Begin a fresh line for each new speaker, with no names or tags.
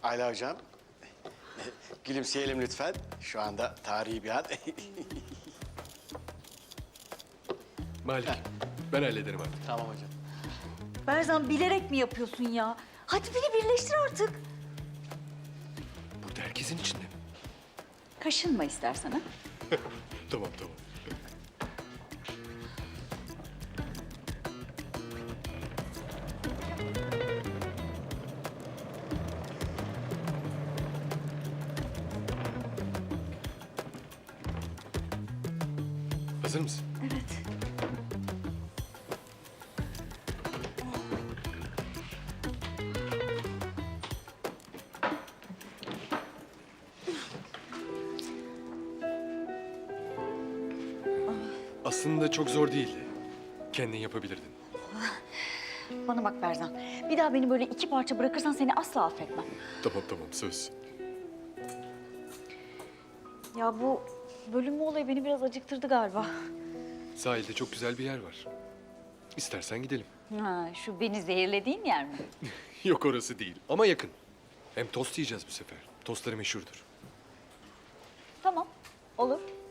Ayla hocam. Gülümseyelim lütfen. Şu anda tarihi bir an.
Malik, ben hallederim artık.
Tamam hocam.
Berzan bilerek mi yapıyorsun ya? Hadi beni birleştir artık.
Burada herkesin içinde mi?
Kaşınma istersen ha.
Tamam, tamam. Hazır mısın?
Evet.
Aslında çok zor değildi. Kendin yapabilirdin.
Bana bak Berzan. Bir daha beni böyle iki parça bırakırsan seni asla affetmem.
Tamam, tamam, söz.
Ya bu bölünme olayı beni biraz acıktırdı galiba.
Sahilde çok güzel bir yer var. İstersen gidelim.
Ha, şu beni zehirlediğin yer mi?
Yok, orası değil ama yakın. Hem tost yiyeceğiz bu sefer. Tostları meşhurdur.
Tamam, olur.